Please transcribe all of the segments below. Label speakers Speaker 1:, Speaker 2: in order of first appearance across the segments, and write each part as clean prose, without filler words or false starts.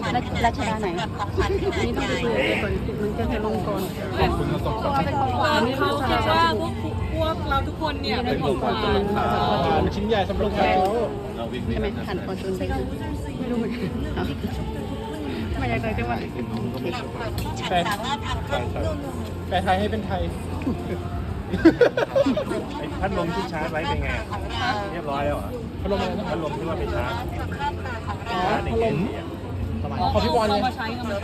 Speaker 1: ราชดาไหนนี่ต้องไปคุยกับก่อนมันจะลงก่อน
Speaker 2: คุณสมบัติ
Speaker 3: เขาคิดว่าพวกเราทุกคนเนี่ยเป็นของขวัญ
Speaker 2: มันชิ้นใหญ่สำหรับเขา
Speaker 1: ใช่ไหมหันคอจุนไปไม่รู้เหมือนกันไม่อยากเลยจังหวะ
Speaker 2: แปลไทยให้เป็นไทย
Speaker 4: พัดลมที่ชาร์จไว้เป็นไงเรียบร้อยแล้วเหรอ
Speaker 2: พัดลมอะไรนะ
Speaker 4: พัดลมที่ว่าไปชาร์จ
Speaker 2: อ๋อ
Speaker 4: ชาร์จใน
Speaker 2: พัด
Speaker 4: เก
Speaker 2: ล
Speaker 4: ม
Speaker 2: ม
Speaker 4: เนี่ย
Speaker 2: ของพี่บอลเนี่ย
Speaker 3: มาใช้กันมา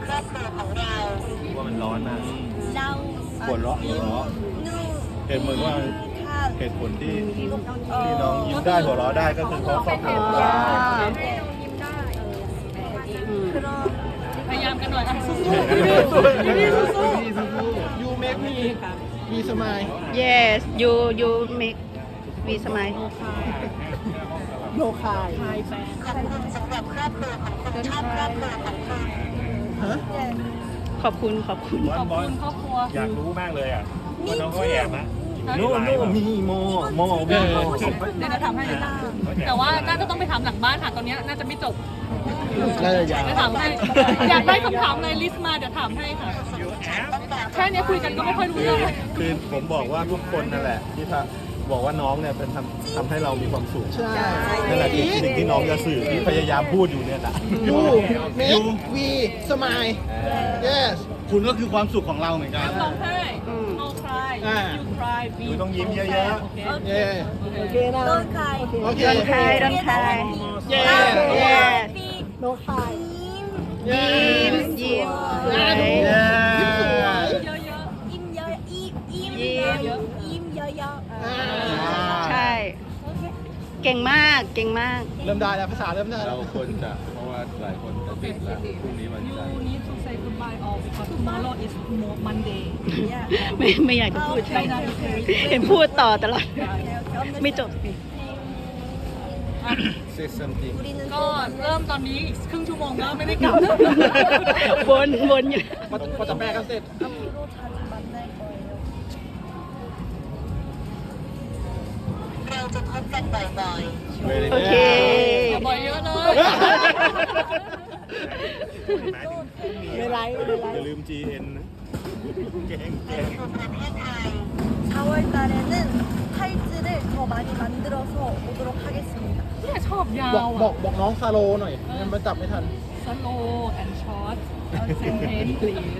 Speaker 4: ว่ามันร้อนมาก
Speaker 5: เรา
Speaker 4: ปวดร้อนเหตุผลว่าเหตุผลที่น้องยิ้มได้หัวเราะได้ก็คือเพราะครอบครัว
Speaker 3: พยายามกันหน่อยสู้
Speaker 2: ยูเมกมีสมัย
Speaker 1: yes you make me smile
Speaker 2: โยคาย ฮะ
Speaker 1: ขอบคุณขอบคุณ
Speaker 4: บอลบอล
Speaker 3: ครอบครัว
Speaker 4: อยากรู้มากเลยอ่ะว่าน้องเขาแอบนะ
Speaker 3: โน่
Speaker 4: มีโม
Speaker 3: เดี๋ยวจะทำให้แต่ว่าน่าจะต้องไปถามหลังบ้านค่ะตอนนี้น่าจะไม่จบ
Speaker 2: น่าจะยาว
Speaker 3: จะถามให้อยากได้คำถามอะไรลิสต์มาเดี๋ยวถามให้ค่ะแค่นี้คุยกันก็ไม่ค่อยรู้เรื่องเลย
Speaker 4: คือผมบอกว่าทุกคนนั่นแหละที่บอกว่าน้องเนี่ยเป็นทำให้เรามีความสุข
Speaker 2: ใช่
Speaker 4: นั่นแหละคือสิ่งที่น้องจะสื่อที่พยายามพูดอยู่เนี่ยแหละ
Speaker 2: ยูเมกวีสมัย yes
Speaker 6: คุณก็คือความสุขของเราเหมือนกัน
Speaker 3: ร้องไห้ no cry you cry
Speaker 4: หนูต้องยิ้มเยอะ
Speaker 2: เย่
Speaker 5: ต้นไข่
Speaker 2: โอเค
Speaker 1: don't cry don't cry
Speaker 2: เย่
Speaker 1: yes
Speaker 5: โนไข่
Speaker 1: ยิ้มยิ้มสวย
Speaker 3: เยอะ
Speaker 5: อิ่มเยอะอิ่มเยอะอิ่มเยอะ
Speaker 1: ใช่ เก่งมากเก่งมาก
Speaker 2: เริ่มได้แล้วภาษาเริ่มได้
Speaker 4: ๆ
Speaker 2: แล้
Speaker 4: เรา
Speaker 2: ว
Speaker 4: ควรจะเพราะว่าหลายคนจะติดแล้วพรุ่งนี้วัน
Speaker 3: you
Speaker 4: จันทร์
Speaker 3: need to say goodbye all because tomorrow is Monday
Speaker 1: ไม่อยากจะพูดใช่เห็นพูดต่อตลอด ไม่จบสิ
Speaker 4: say something
Speaker 3: ก็เริ่มตอนนี้อีกครึ่งชั่วโมงแล้วไม่ได้กลับ
Speaker 1: วนอยู่
Speaker 2: พอจะแปลกันเสร็จ
Speaker 5: เราจะพบกันบ่อย
Speaker 1: โอเค
Speaker 3: อย่าบ่อยเยอะเลย
Speaker 4: ไม่ไรอย่าลืม GN นะแกง
Speaker 5: ๆ 4월 달에는 팔찌를 더 많이 만들어서 오도록 하겠습니다.
Speaker 3: เนี่ยชอบยา
Speaker 2: บอก
Speaker 3: ว
Speaker 2: บอกน้องซาโลหน่อยมันจับไม่ทัน
Speaker 3: สโล and short sentence please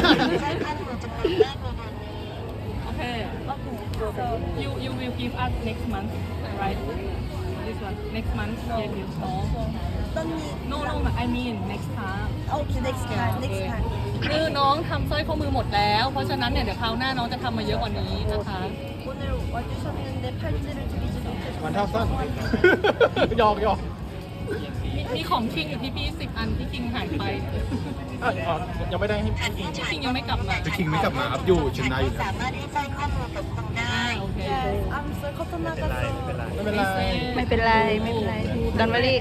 Speaker 3: โอเค so you will give us next month right this one next month give you no I mean next time
Speaker 5: Okay, next time.
Speaker 3: คือน้องทำสร้อยข้อมือหมดแล้ว เพราะฉะนั้นเนี่ยเดี๋ยวคราวหน้าน้องจะทำมาเยอะกว่านี้นะคะ
Speaker 5: 오늘 와주셨는데 팔찌를 드리지 못해서
Speaker 2: มันเท่าสั้น หยอกหยอก
Speaker 3: มีของคิงอยู่ที่พี่10 อันที่คิงหายไป
Speaker 2: ยังไม่ได้ให้
Speaker 3: คิงยังไม่กลับมา
Speaker 6: จะคิงไม่กลับมาอัพอยู่ชนะอยู่นะ
Speaker 3: โอเค
Speaker 5: Yes, I'm so 커튼
Speaker 4: ไม่เป็นไร
Speaker 5: 나갔어.
Speaker 4: ไม่เป็นไร
Speaker 2: ไม่เป็นไร
Speaker 1: ไม่เป็นไรดอนวารี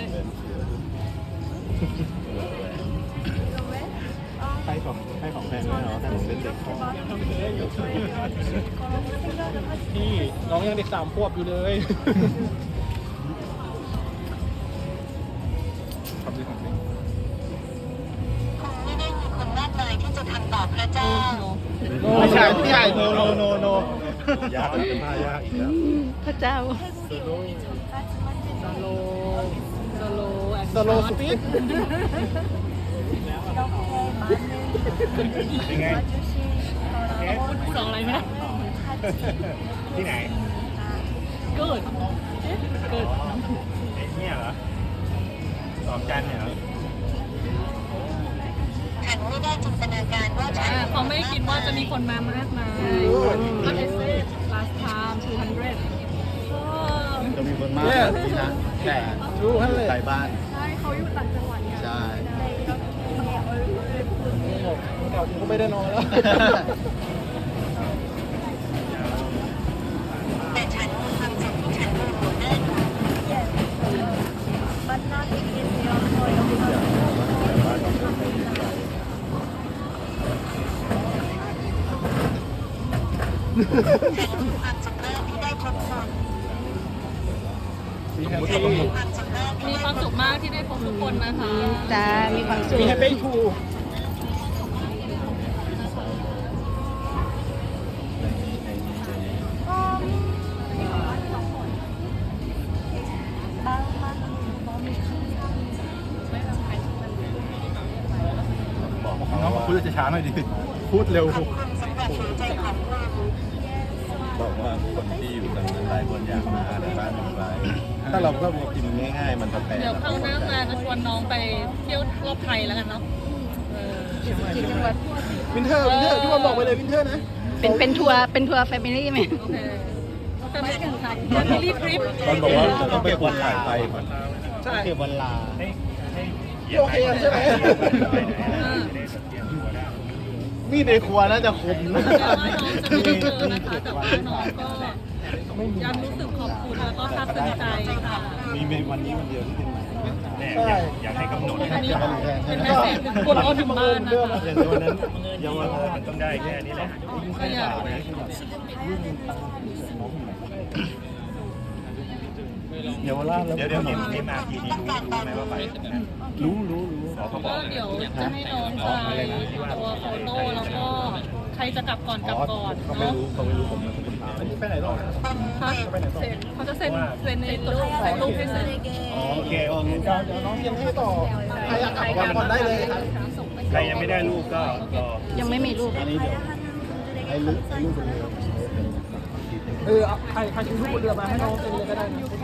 Speaker 4: ให้ของแพงด้วยเนาะให้ผมเป็นเด็กของ
Speaker 2: พี่น้องยังเด็ก3 ขวบอยู่เลย
Speaker 6: ขอบคุณครับ
Speaker 5: ไม่ได้มีคนมากมายที่จะทำต่อพระเจ้า
Speaker 6: ไม่ใช่ไม่ใช่โนโนโนโน
Speaker 4: ยากเป็นผ้ายากอีกแล้ว
Speaker 1: พระเจ้า
Speaker 5: 태국에 오기 전까지만 해도
Speaker 3: สโล
Speaker 2: สโลสปีด
Speaker 5: 이렇게 많은 분들이 와주신
Speaker 3: สองอะไรนะ
Speaker 4: ที่ไหน
Speaker 3: good good
Speaker 4: เนี่ยเหรอสองจันเนี่ยเหรอ
Speaker 5: ฉันไม่ได้จินตนาการว่าฉัน
Speaker 3: เขาไม่คิดว่าจะมีคนมามากมาย But I said last time 200
Speaker 6: จะมีคนมากแบบนี้นะแต่
Speaker 2: รู้ฮั่นเลย
Speaker 6: ไกลบ้าน
Speaker 3: ใช่เขาอยู่ต่างจังหวัดเนี่ย
Speaker 6: ใช่
Speaker 2: เดี๋ยวก็ไม่ได้นอนแล้ว
Speaker 5: แต่ฉันมีความสุขที่ฉันดูหัวหน้าดู만나게 되어서ความสุขมากที่ได้พบคุณ
Speaker 2: มีแฮปปี้
Speaker 5: ความสุขมาก
Speaker 3: มีความสุขมากที่ได้พบทุกคนนะคะ
Speaker 1: จ้าความสุข
Speaker 2: มีแฮปปี้ทู
Speaker 4: บอก
Speaker 6: น้องพูดจะช้าหน่อยดิ พูดเร็ว
Speaker 4: บอกว่าคนที่อยู่ตรงนั้นหลายคนอยากมาแต่บ้านอยู่ไกลถ้าเราก็กินง่ายๆมันจะแพง
Speaker 3: เดี๋ยวคราวหน้ามาก็ชวนน้องไปเที่ยวรอบไทยแล้วกันเนาะ
Speaker 1: กี่จังหวัด
Speaker 2: วินเทอร์พี่บอลบอกไปเลยวินเทอร์นะ
Speaker 1: เป็นทัวร์แฟมิลี่ไหม
Speaker 3: โอเคจะไม่ถึงครับจะมีรีบทริป
Speaker 4: ตอนบอกว่าจะต้องไปคนถ่ายไปก่อน
Speaker 2: ใช่
Speaker 6: เก็บวันลา
Speaker 2: โอเคใช่ไหม
Speaker 6: มีดในครัวน่าจะคมนะ
Speaker 3: แต่ว่าน้องจะไม่เจอนะคะแต่ว่าน้องก็ยังรู้สึกขอบคุณแล้วก็ซาบซึ้งใจค่ะ
Speaker 6: มีวันนี้วันเดียวที่เป็น
Speaker 2: ใช่
Speaker 4: อยากให้กำหนด
Speaker 3: อันนี้เป็นแม่เสร็จถึงคนออนถึงบ้านนะคะ
Speaker 4: อย่างวันนั้นเยาวราชมันต้องได้แค่นี้แหละ
Speaker 3: ก็อยาก
Speaker 6: เยาวราชแล้ว
Speaker 4: เดี๋ยวนี่มาทีนี้รู้ไหมว่าไป
Speaker 6: รู้
Speaker 3: ก็เดี๋ยวจะให้น้องไปตัวโฟโต้แล้วก็ใครจะกลับก่อนกลับก่อน
Speaker 6: เขาไม่
Speaker 3: เนาะ
Speaker 6: รู้ผมนะคุณถาม
Speaker 2: อันนี้ไปไหนต่อ
Speaker 3: เขาจะเซ็นในตัวใส่รูปให้เซ็น
Speaker 4: โอเค
Speaker 2: เดี๋ยวน้องเตรียมให้ต่อใครอยากกลับก่อนได้เลยครับ
Speaker 4: ใครยังไม่ได้ลูกก็รอ
Speaker 1: ยังไม่มีรูป
Speaker 6: อันนี้เดี๋ยวไอ้ลูกบนเรือ
Speaker 2: ใครซื้อรูปบนเรือมาให้น้องเซ็นเลยก็ได้นะ